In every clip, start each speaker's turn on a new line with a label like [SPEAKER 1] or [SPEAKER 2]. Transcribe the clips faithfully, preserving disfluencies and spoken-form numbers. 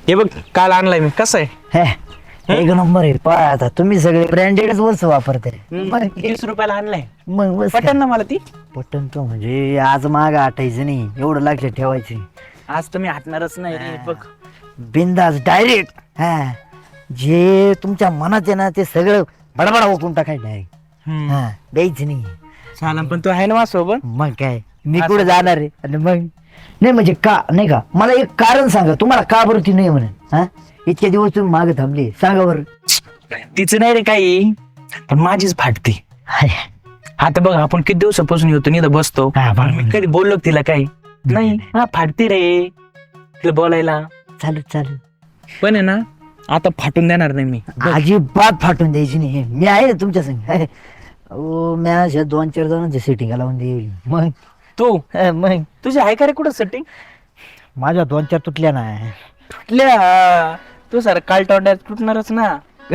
[SPEAKER 1] हे बघ काल आणलाय मी, कसं आहे?
[SPEAKER 2] हे एक नंबर आहे. पहा आता तुम्ही सगळे ब्रँडेडच वस्तू वापरते.
[SPEAKER 1] तीस रुपयाला आणलाय.
[SPEAKER 2] मग बस
[SPEAKER 1] पटन ना मला ती.
[SPEAKER 2] पटन तो म्हणजे आज माग आठायचं नाही, एवढं लक्षात ठेवायचे.
[SPEAKER 1] आज तर मी हटणारच नाही रे. बघ
[SPEAKER 2] बिंदास डायरेक्ट. हा जे तुमच्या मनात आहे ना ते सगळं बडबडा ओकून टाकायचं आहे. हा द्यायचं नाही.
[SPEAKER 1] चालन, पण तू आहे ना माझ्यासोबत?
[SPEAKER 2] मग काय मी कुठे जाणार आहे? आणि मग नाही म्हणजे का नाही का, मला एक कारण सांगा तुम्हाला का बरं ती नाही म्हणून. हा इतके दिवस तुम्ही मागे थांबले, सांगा बरं.
[SPEAKER 1] तिचं नाही रे काही, पण माझीच फाटते. आता बघ आपण किती दिवसापासून येतो नाही बसतो,
[SPEAKER 2] हा, बरोबर.
[SPEAKER 1] मी कधी बोललो का तिला काही नाही. हा फाटते रे तिला बोलायला.
[SPEAKER 2] चालू चालू
[SPEAKER 1] पण आहे ना आता फाटून देणार नाही मी.
[SPEAKER 2] अजिबात फाटून द्यायची नाही. मी आहे ना तुमच्या संग. ओ मी अशा दोन चार जणांच्या सेटिंग लावून देईल. मग
[SPEAKER 1] तू
[SPEAKER 2] हा, मग
[SPEAKER 1] तुझी आहे का रे कुठं सेटिंग?
[SPEAKER 2] माझ्या दोन चार तुटल्या ना.
[SPEAKER 1] तुटल्या? तू सर काल तोंडात तुटणारच ना.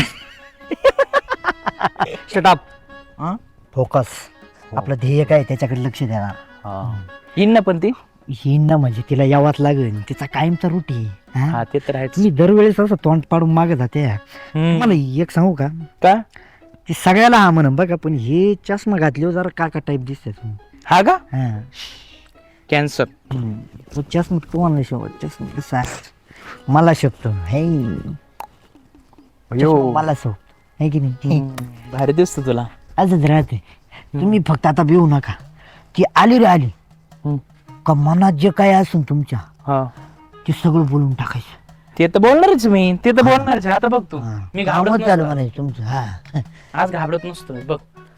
[SPEAKER 2] शटअप. फोकस. आपलं ध्येय काय त्याच्याकडे लक्ष देणार.
[SPEAKER 1] येईन ना पण ती.
[SPEAKER 2] ही ना म्हणजे तिला यावाच लागेल, तिचा कायमचा रुटी.
[SPEAKER 1] हा ते तर आहे.
[SPEAKER 2] तुम्ही दरवेळेस असं तोंड पाडून मागे जाते. मला एक सांगू का,
[SPEAKER 1] का
[SPEAKER 2] ती सगळ्याला हा म्हणून बघा, पण हे चष्मा घातले जरा काका टाईप दिसते तुम्ही.
[SPEAKER 1] हा का
[SPEAKER 2] हा
[SPEAKER 1] कॅन्सर?
[SPEAKER 2] तो चष्मा तुम्हाला शेवट चष्मा कसा आहे? मला शकतो हे चष्मा मला सो आहे की नाही.
[SPEAKER 1] भारी दिसतो तुला.
[SPEAKER 2] असंच राहते. तुम्ही फक्त आता भिवू नका. ती आली रे आली का मनात जे काय असून तुमच्या
[SPEAKER 1] हा
[SPEAKER 2] ते सगळं बोलून टाकायचं.
[SPEAKER 1] ते तर बोलणारच मी. ते तर बोलणारच. आता बघ तू, मी
[SPEAKER 2] कामच
[SPEAKER 1] घाबरत
[SPEAKER 2] झालं
[SPEAKER 1] नसतो.
[SPEAKER 2] म्हणायचं तुमचं. हा
[SPEAKER 1] आज घाबरत नसतो मी, बघ.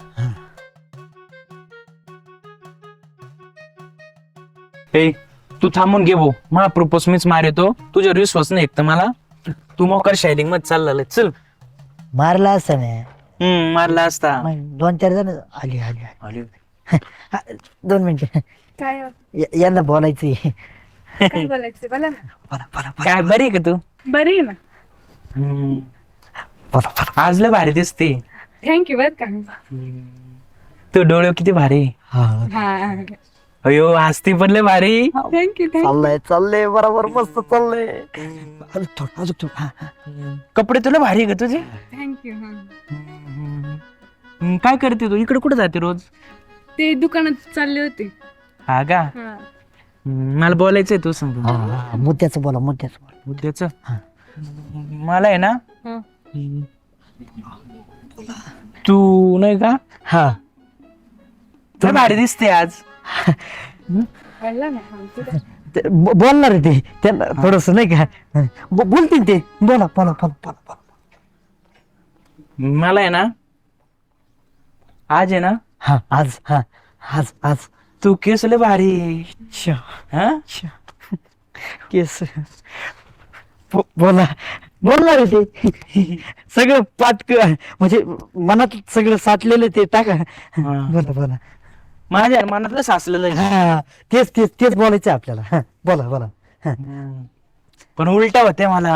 [SPEAKER 1] ए तू थांबून घे भाऊ, मा प्रपोज मीच मारतो. तुझ्यावर विश्वास नाही एक तर मला. तू मोकर शायलिंग मध्ये चालला. चल.
[SPEAKER 2] मारला असता ना.
[SPEAKER 1] हम्म मारला असता.
[SPEAKER 2] मग दोन चार जण आली आली
[SPEAKER 1] अरे,
[SPEAKER 2] हा, दोन मिनिटं
[SPEAKER 3] काय हो?
[SPEAKER 2] या- यांना बोलायचं.
[SPEAKER 3] काय बोलायचं बोला ना.
[SPEAKER 2] बोला बोला
[SPEAKER 1] काय बरी आहे का तू?
[SPEAKER 3] बरी आहे ना.
[SPEAKER 1] हम्म.
[SPEAKER 2] बोला बोला.
[SPEAKER 1] आज लय भारी दिसते.
[SPEAKER 3] थँक्यू बर का.
[SPEAKER 1] तू डोळे किती भारी.
[SPEAKER 2] हा
[SPEAKER 3] हा
[SPEAKER 1] अयो हसती पण लय भारी.
[SPEAKER 3] Thank you thank you.
[SPEAKER 2] चाललंय चाललंय बरोबर मस्त चाललंय. अजून थोडं अजून थोडं. हा, हा.
[SPEAKER 1] कपडे तुला भारी आहे का तुझे?
[SPEAKER 3] थँक्यू.
[SPEAKER 1] हम्म, काय करते तू? इकडे कुठे जाते रोज?
[SPEAKER 3] ते दुकानात चालले होते.
[SPEAKER 1] हा का?
[SPEAKER 3] हा.
[SPEAKER 1] हम्म, मला बोलायचंय तू सांग.
[SPEAKER 2] हा, हा, मुद्द्याचं बोला मुद्द्याचं बोला.
[SPEAKER 1] उद्याच
[SPEAKER 2] हा.
[SPEAKER 1] मला आहे ना
[SPEAKER 3] हा.
[SPEAKER 1] तू नाही का
[SPEAKER 2] हा
[SPEAKER 1] लय भारी दिसते आज.
[SPEAKER 3] बोला ना. हा, तुला-
[SPEAKER 2] ते ब- बोलणार आहे ते त्यांना थोडस नाही का. ब- बोलतील ते. बोला बोला बोला बोला बोला.
[SPEAKER 1] मला आहे ना आज आहे ना
[SPEAKER 2] हा आज हा आज आज
[SPEAKER 1] तू केस लय भारी.
[SPEAKER 2] अच्छा
[SPEAKER 1] हा
[SPEAKER 2] अच्छा. केस बो- बोला बोलणार आहे ते सगळं पाटक म्हणजे मनात सगळं साठलेलं ते टाका. बोला बोला.
[SPEAKER 1] माझ्या मनातलं साचलेलं आहे.
[SPEAKER 2] हा तेच तेच तेच बोलायचं आपल्याला. हा, बोला बोला. हा.
[SPEAKER 1] पण उलटा होते मला.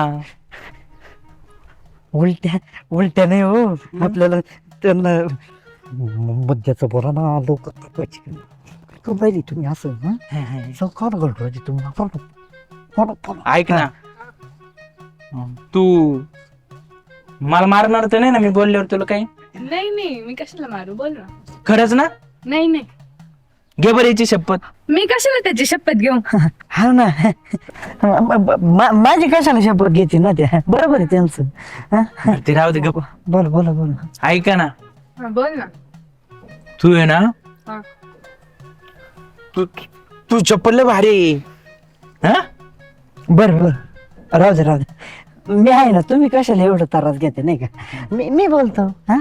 [SPEAKER 2] उलट्या उलट्या नाही हो आपल्याला त्यांना मुद्द्याचं बोला ना. लोक पाहिजे तुम्ही असं सौकार करतो तुम्ही. बोला, बोला, बोला.
[SPEAKER 1] ऐक ना तू मला मारणार तर नाही ना मी बोलल्यावर तुला काही?
[SPEAKER 3] नाही नाही मी कशाला मारू बोल ना.
[SPEAKER 1] खरंच ना?
[SPEAKER 3] नाही नाही
[SPEAKER 1] घे बरं याची शपथ.
[SPEAKER 3] मी कशाला त्याची शपथ घेऊ.
[SPEAKER 2] हा ना. म- म- मा- माझी कशाला शपथ घेते ना त्या. बरोबर आहे त्यांचं. हा,
[SPEAKER 1] ते राहू दे गप.
[SPEAKER 2] बोला बोला बोला.
[SPEAKER 1] ऐका ना
[SPEAKER 3] हा बोल ना.
[SPEAKER 1] तू आहे ना
[SPEAKER 3] हा.
[SPEAKER 1] तू तू चप्पल लय भारी. हा
[SPEAKER 2] बर बर राहू दे राहू दे. मी आहे ना. तुम्ही कशाला एवढं त्रास घेते नाही का. मी मी बोलतो. हा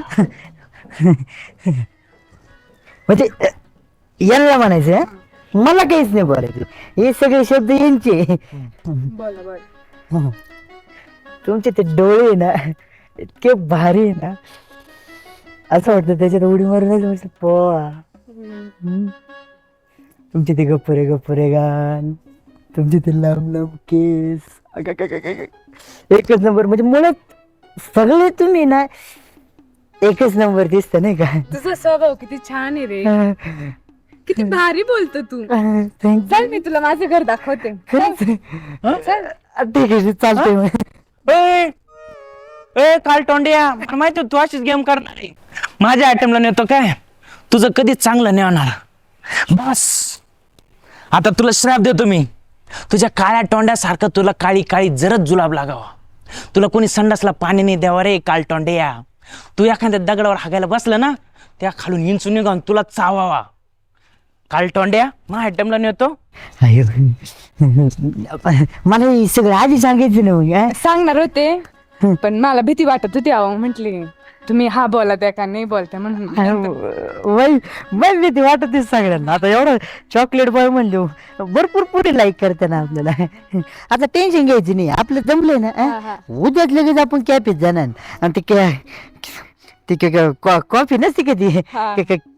[SPEAKER 2] म्हणजे यांना म्हणायचं हा? मला काहीच नाही बोलायचं. हे सगळे शब्द यांचे.
[SPEAKER 3] बोला बोल.
[SPEAKER 2] हं. तुमचे ते डोळे आहे ना इतके भारी आहे ना. असं वाटतं त्याच्यात उडी मारून पोहा. हं. तुमचे ते गप्परे गप्परे गान. तुमचे ते लांब लांब केस. अगं, एकच नंबर. म्हणजे मुळात सगळे तुम्ही ना एकच नंबर दिसत नाही का.
[SPEAKER 3] तुझा स्वभाव किती छान आहे रे. किती भारी बोलतो तू.
[SPEAKER 2] थँक्यू.
[SPEAKER 3] चल मी तुला माझं घर दाखवते.
[SPEAKER 2] खरंच
[SPEAKER 3] चल.
[SPEAKER 2] ठीक आहे चालतंय मग.
[SPEAKER 1] ए ए काल तोंड्या मला माहिती होतं तू अशीच गेम करणार आहे. माझ्या आयटमला नेतो काय तुझं कधीच चांगलं नाही होणार. बस आता तुला श्राप देतो मी. तुझ्या काळ्या तोंड्यासारखं तुला काळी काळी जरच जुलाब लागावा. तुला कोणी संडासला पाणी नाही द्यावा रे काल तोंड्या. तू एखाद्या दगडावर हागायला बसलं ना त्या खालून इंचून निघावून तुला चावावा. काल तोंड्या मग आयटमला नेतो.
[SPEAKER 2] अयो. मला हे सगळं आधी सांगायचं ना मग हा?
[SPEAKER 3] सांगणार होते पण मला भीती वाटत होती अहो म्हटली तुम्ही हा बोला त्या का नाही बोलता म्हणून.
[SPEAKER 2] वय वय भीती वाटत सगळ्यांना. आता एवढं चॉकलेट बॉय म्हणले भरपूर पुढे लाईक करते ना आपल्याला. आता टेन्शन घ्यायचं नाही आपलं जमलंय ना
[SPEAKER 3] हा, हा.
[SPEAKER 2] हा? उद्याच लगेच आपण कॅफेत जाणार आणि ते कॅ ते काय कॉफी नसते का ती
[SPEAKER 3] हा.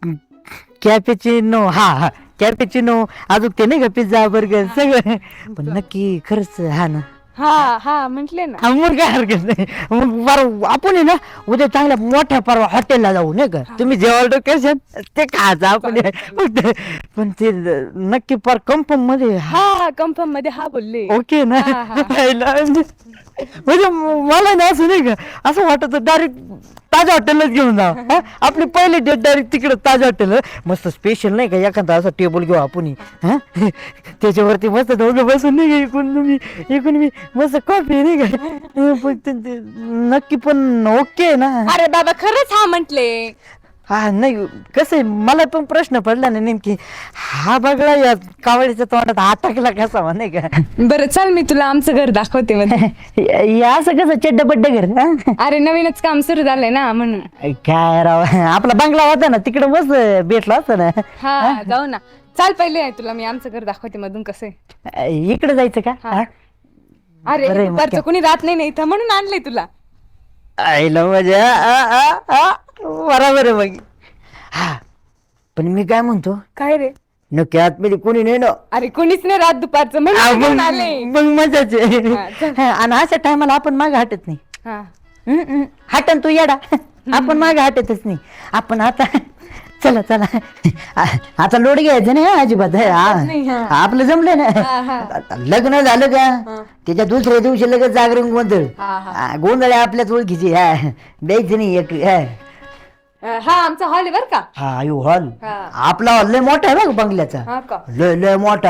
[SPEAKER 2] कॅपेचिनो हा हा कॅपेचिनो अजून ते नाही का पिझ्झा बर्गर सगळं. पण नक्की खरंच हा ना.
[SPEAKER 3] हा हा म्हटले ना.
[SPEAKER 2] हा, मग काय हरकत नाही. मग बरं आपण आहे ना उद्या चांगल्या मोठ्या परवा हॉटेलला जाऊ नाही का. तुम्ही जे ऑर्डर करशाल ते खायचं आपण. फक्त पण ते नक्की पर कन्फर्म मध्ये
[SPEAKER 3] हा हा कन्फर्म मध्ये हा बोलले.
[SPEAKER 2] ओके ना.
[SPEAKER 3] हा, हा.
[SPEAKER 2] पहिला म्हणजे मला ना असं नाही का असं वाटत डायरेक्ट ताज्या हॉटेललाच घेऊन जा. आपली पहिली डेट डायरेक्ट तिकडे ताज्या हॉटेल मस्त स्पेशल नाही का एखादा असं टेबल घेऊ आपण हा त्याच्यावरती मस्त दोघं बसून नाही का इकडून तुम्ही इकडून मी मस्त कॉफी नाही का. फक्त ते नक्की पण ओके ना.
[SPEAKER 3] अरे बाबा खरंच हा म्हटले.
[SPEAKER 2] हा नाही कसं आहे मला पण प्रश्न पडला ना नेमकी हा बघला या कावळीच्या तोंडात अटकला कसा नाही का.
[SPEAKER 3] बरं चल मी तुला आमचं घर दाखवते मध्ये.
[SPEAKER 2] या असं कसं चड्ड बड्ड घर हा?
[SPEAKER 3] अरे नवीनच काम सुरू झालंय ना म्हणून.
[SPEAKER 2] काय राव आपला बंगला होता ना तिकडे मस्त भेटला असता ना.
[SPEAKER 3] हा जाऊ ना. चाल पहिले आहे तुला मी आमचं घर दाखवते मधून कसं आहे.
[SPEAKER 2] इकडे जायचं का
[SPEAKER 3] हा.
[SPEAKER 2] हा?
[SPEAKER 3] अरे
[SPEAKER 2] बरं आहे मग
[SPEAKER 3] दुपारचं
[SPEAKER 2] काय.
[SPEAKER 3] कोणी राहत नाही ना इथं म्हणून आणलंय तुला.
[SPEAKER 2] आईला मजा आ, आ, आ. बरोबर आहे मग. हा पण मी काय म्हणतो
[SPEAKER 3] काय रे.
[SPEAKER 2] नक्की आतमध्ये कोणी नाही ना.
[SPEAKER 3] अरे कोणीच नाही रात दुपारचं
[SPEAKER 2] आ,
[SPEAKER 3] म्हणून
[SPEAKER 2] मग
[SPEAKER 3] घेऊन आले.
[SPEAKER 2] मग मजाच आहे.
[SPEAKER 3] हा, चल.
[SPEAKER 2] हा, आणि अशा टायमाला आपण मागे हटत नाही.
[SPEAKER 3] हा
[SPEAKER 2] हम्म, हम्म. हटन तू येडा. आपण मागे हटतच नाही. आपण आता चला चला आ- आता लोड घ्यायचं नाही हा, अजिबात
[SPEAKER 3] नाही,
[SPEAKER 2] हा.
[SPEAKER 3] हा.
[SPEAKER 2] आपलं जमलं
[SPEAKER 3] हा,
[SPEAKER 2] ना.
[SPEAKER 3] हा.
[SPEAKER 2] आता लग्न झालं का त्याच्या दुसऱ्या दिवशी लगेच जागरण गोंधळ.
[SPEAKER 3] हा, हा.
[SPEAKER 2] हा, गोंधळ आहे आपल्याच ओळखीची हा द्यायचं नाही एक हा.
[SPEAKER 3] अं, हा आमचा हॉल आहे बर का.
[SPEAKER 2] हा आयु हॉल
[SPEAKER 3] हा.
[SPEAKER 2] आपला हॉल लय मोठा आहे बघ बंगल्याचा.
[SPEAKER 3] हा का.
[SPEAKER 2] लय लय मोठा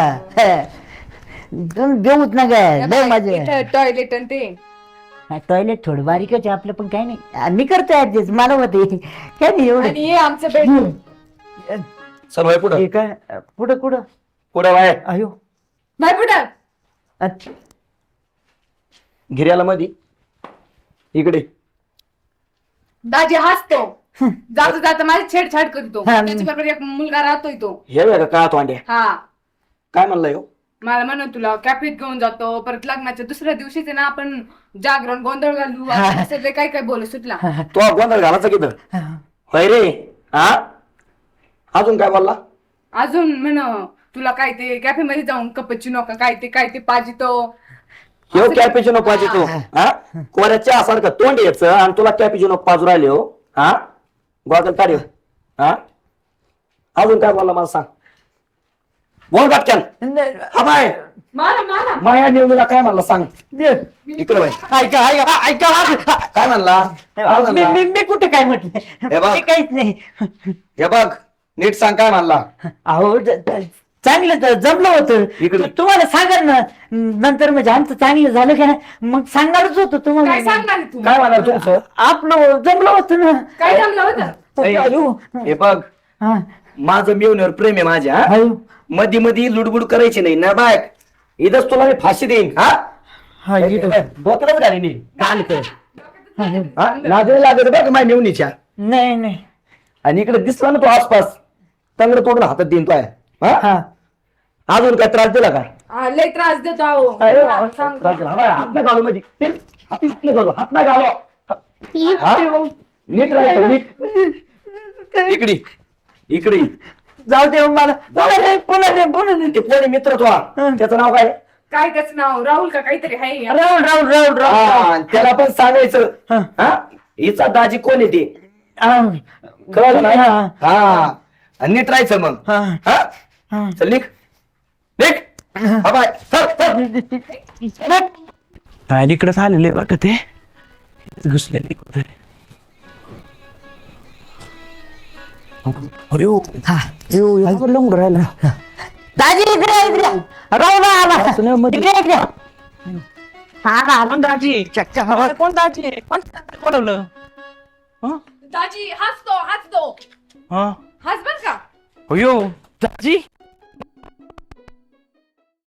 [SPEAKER 2] देऊच ना काय लय मजा.
[SPEAKER 3] टॉयलेट आणि ते.
[SPEAKER 2] टॉयलेट थोडं बारीकच आहे आपलं पण काय नाही. आ, मी करतो ऍडजस्ट मला होते काय नाही एवढं.
[SPEAKER 3] आणि हे आमचं बेडरूम.
[SPEAKER 4] चल भाई पुढं
[SPEAKER 2] हे काय पुढं कुठं
[SPEAKER 4] पुढं बाय
[SPEAKER 2] अयो
[SPEAKER 3] बाय पुढं.
[SPEAKER 2] अच्छा.
[SPEAKER 4] गिर्याला मधी इकडे
[SPEAKER 3] दाजी हसतो. जाता जाता माझी छेडछाड करतो.
[SPEAKER 2] हा.
[SPEAKER 3] त्याच्याबरोबर एक मुलगा राहतोय तो.
[SPEAKER 4] हे बघा का तोंड्या
[SPEAKER 3] हा
[SPEAKER 4] काय म्हणला हो
[SPEAKER 3] मला म्हणून तुला कॅफेत घेऊन जातो परत लग्नाच्या दुसऱ्या दिवशीच आहे ना आपण जागरण गोंधळ घालू असं सगळे काय काय बोलू सुटला.
[SPEAKER 4] तो गोंधळ घालायचा किती होय रे हा अजून काय बोलला
[SPEAKER 3] अजून म्हण तुला काय ते कॅफे मध्ये जाऊन कपचिनो का काय ते काय ते पाजितो.
[SPEAKER 4] हे कॅपेचिनो पाहिजे तो हा कोऱ्याच्या सारखं तोंड यायचं आणि तुला कॅपेचिनो पाजू राहिले हो हा गोगल काढ ह्यो. हा अजून काय बोलला मला सांग बोल पटकन हा बाय
[SPEAKER 3] मारा मारा.
[SPEAKER 4] माया नेहमीला काय म्हणला सांग इकडे बाय
[SPEAKER 2] ऐका ऐका ऐका
[SPEAKER 4] काय म्हणला काय
[SPEAKER 2] मी
[SPEAKER 4] म्हणला?
[SPEAKER 2] मी- मी कुठे काय म्हटलं
[SPEAKER 4] हे बघ.
[SPEAKER 2] मी काहीच नाही.
[SPEAKER 4] हे बघ नीट सांग काय म्हणला
[SPEAKER 2] अहो ज- ज- चांगलं तर जमलं होतं
[SPEAKER 4] इकडे.
[SPEAKER 2] तुम्हाला सांगा ना नंतर म्हणजे आमचं चांगलं झालं का नाही मग सांगणारच होतं
[SPEAKER 3] काय
[SPEAKER 2] तुम्हाला.
[SPEAKER 3] सांगणार आहे तू.
[SPEAKER 4] काय म्हणाल तुमचं
[SPEAKER 2] आपलं जमलं होतं ना.
[SPEAKER 3] काय जमलं होतं.
[SPEAKER 4] ए,
[SPEAKER 2] अयो.
[SPEAKER 4] हे बघ
[SPEAKER 2] हा.
[SPEAKER 4] माझं मिळवण्यावर प्रेम आहे माझ्या हा?
[SPEAKER 2] अयो.
[SPEAKER 4] मधी मधी लुडबुड करायची नाही ना बाय इथंच तुला मी फाशी देईन हा
[SPEAKER 2] हा, इथं.
[SPEAKER 4] डोक्यातच घाली नाही
[SPEAKER 2] चालेल तर.
[SPEAKER 4] हा? लाजरी लागत बघ माझ्या मेवणीच्या
[SPEAKER 2] नाही नाही
[SPEAKER 4] आणि इकडे दिसला ना तो आसपास तंगड तोडून हातात देईन तो आहे हा?
[SPEAKER 2] हा
[SPEAKER 4] अजून काय त्रास दिला का
[SPEAKER 3] हा, लय त्रास देतो अहो. सांग.
[SPEAKER 4] त्रास दिला. हा, हात नाही घालू मध्ये हात नाही घालू हात नाही घालू हा? नीट राहायचं नीट इकडे इकडे
[SPEAKER 2] जाऊ दे मला पुन्हा दे, पुन्हा दे, पुन्हा दे.
[SPEAKER 4] ते कोणी मित्र तो त्याचं नाव काय
[SPEAKER 3] काय त्याचं नाव राहुल का काहीतरी आहे.
[SPEAKER 2] राहुल राहुल राहुल राहुल
[SPEAKER 4] हा, त्याला पण सांगायचं
[SPEAKER 2] हा.
[SPEAKER 4] हा हिचा दाजी कोण आहे ते
[SPEAKER 2] हा.
[SPEAKER 4] कळलं ना
[SPEAKER 2] हा.
[SPEAKER 4] हा आणि नीट राहायचं मग
[SPEAKER 2] हा.
[SPEAKER 4] हा
[SPEAKER 2] हा.
[SPEAKER 4] चल निघ निघ हा बाय चल चल
[SPEAKER 1] काय इकडंच आलेले वाटत ते घुसलेले कुठे. अयो
[SPEAKER 2] हा
[SPEAKER 1] अयो एवढं लंगड राहिला.
[SPEAKER 2] दाजी इकडे इकडे राहू ना आला
[SPEAKER 1] सुनेमध्ये.
[SPEAKER 2] इकडे इकडे हा ना
[SPEAKER 1] कोण दाजी
[SPEAKER 2] चक्का हवा
[SPEAKER 1] कोण दाजी कोण बोलवलं हं?
[SPEAKER 3] दाजी हसतो हसतो
[SPEAKER 1] हं?
[SPEAKER 3] हस बर का.
[SPEAKER 1] अयो दाजी